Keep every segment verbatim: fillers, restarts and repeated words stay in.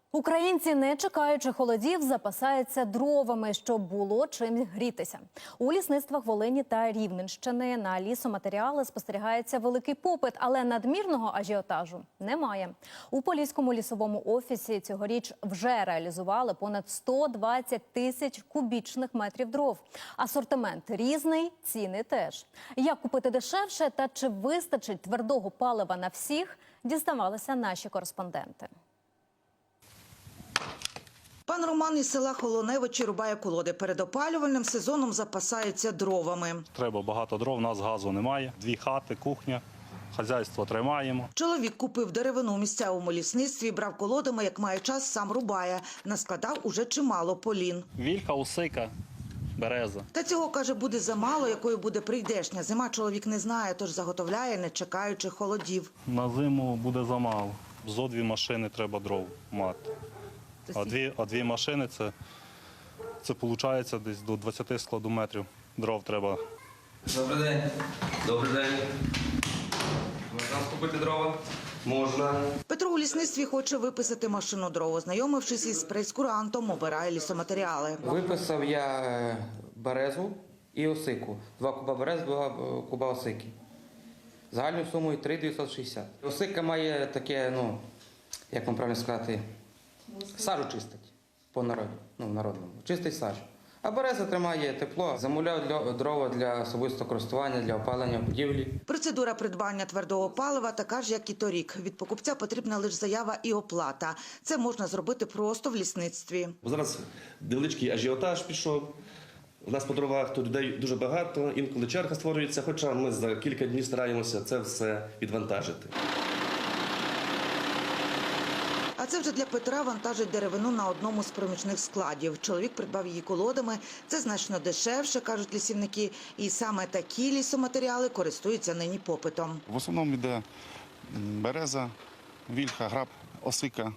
Українці, не чекаючи холодів, запасаються дровами, щоб було чим грітися. У лісництвах Волині та Рівненщини на лісоматеріали спостерігається великий попит, але надмірного ажіотажу немає. У Поліському лісовому офісі цьогоріч вже реалізували понад сто двадцять тисяч кубічних метрів дров. Асортимент різний, ціни теж. Як купити дешевше та чи вистачить твердого палива на всіх, дізнавалися наші кореспонденти. Пан Роман із села Холоневичі рубає колоди. Перед опалювальним сезоном запасаються дровами. Треба багато дров, у нас газу немає. Дві хати, кухня, хазяйство тримаємо. Чоловік купив деревину у місцевому лісництві, брав колодами, як має час, сам рубає. Наскладав уже чимало полін. Вільха, осика, береза. Та цього, каже, буде замало, якою буде прийдешня. Зима чоловік не знає, тож заготовляє, не чекаючи холодів. На зиму буде замало. Зо дві машини треба дров мати. А дві, а дві машини – це, це виходить десь до двадцяти складометрів дров треба. Добрий день. Добрий день. Можна купити дрова? Можна. Петро у лісництві хоче виписати машину дров. Ознайомившись із прейскурантом, обирає лісоматеріали. Виписав я березу і осику. Два куба берез, два куба осики. Загальною сумою три тисячі дев'ятсот шістдесят. Осика має таке, ну, як вам правильно сказати, сажу чистить по народі, ну, в народному. Чистить сажу. А береза тримає тепло. Замовляв для, дрова для особистого користування, для опалення будівлі. Процедура придбання твердого палива така ж, як і торік. Від покупця потрібна лише заява і оплата. Це можна зробити просто в лісництві. Зараз невеличкий ажіотаж пішов. У нас по дровах тут людей дуже багато, інколи черга створюється, хоча ми за кілька днів стараємося це все відвантажити. А це вже для Петра вантажить деревину на одному з проміжних складів. Чоловік придбав її колодами. Це значно дешевше, кажуть лісівники. І саме такі лісоматеріали користуються нині попитом. В основному йде береза, вільха, граб, осика.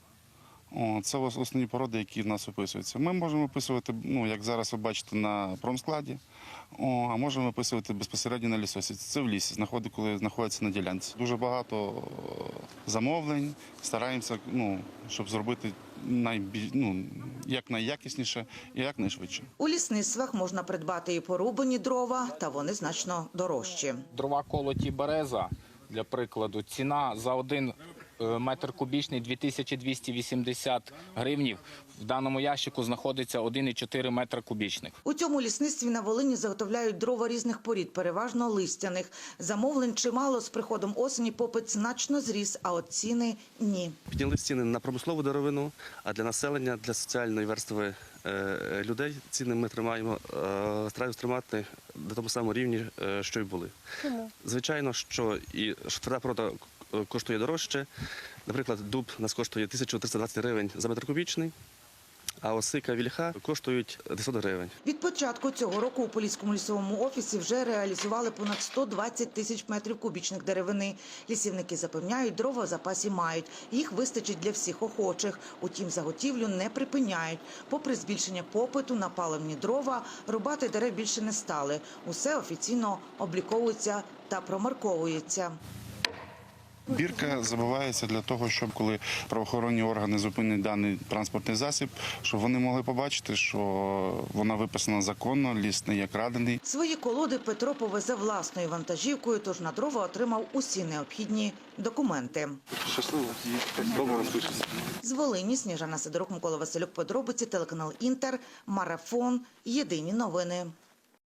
О, це основні породи, які в нас виписуються. Ми можемо виписувати, ну, як зараз ви бачите, на промскладі, о, а можемо виписувати безпосередньо на лісосіці. Це в лісі, знаходить, коли знаходиться на ділянці. Дуже багато замовлень, стараємося, ну, щоб зробити найбіль, ну, як найякісніше і як найшвидше. У лісництвах можна придбати і порубані дрова, та вони значно дорожчі. Дрова колоті береза, для прикладу, ціна за один метр кубічний дві тисячі двісті вісімдесят гривнів. В даному ящику знаходиться один цілих чотири метра кубічних. У цьому лісництві на Волині заготовляють дрова різних порід, переважно листяних. Замовлень чимало, з приходом осені попит значно зріс, а от ціни – ні. Підняли ціни на промислову деревину, а для населення, для соціальної верстви е, людей ціни ми тримаємо, е, стараємося тримати на тому самому рівні, е, що й були. Чому? Звичайно, що і що тверда порода коштує дорожче. Наприклад, дуб у нас коштує тисячу триста двадцять гривень за метр кубічний, а осика, вільха коштують дев'ятсот гривень. Від початку цього року у Поліському лісовому офісі вже реалізували понад сто двадцять тисяч метрів кубічних деревини. Лісівники запевняють, дрова в запасі мають. Їх вистачить для всіх охочих. Утім, заготівлю не припиняють. Попри збільшення попиту на паливні дрова, рубати дерев більше не стали. Усе офіційно обліковується та промарковується. Бірка забувається для того, щоб коли правоохоронні органи зупинять даний транспортний засіб, щоб вони могли побачити, що вона виписана законно, ліс не є крадений. Свої колоди Петро повезе власною вантажівкою, тож на дрова отримав усі необхідні документи. Щасливо. З Волині Сніжана Сидорук, Микола Василюк, подробиці, телеканал Інтер, Марафон, Єдині новини.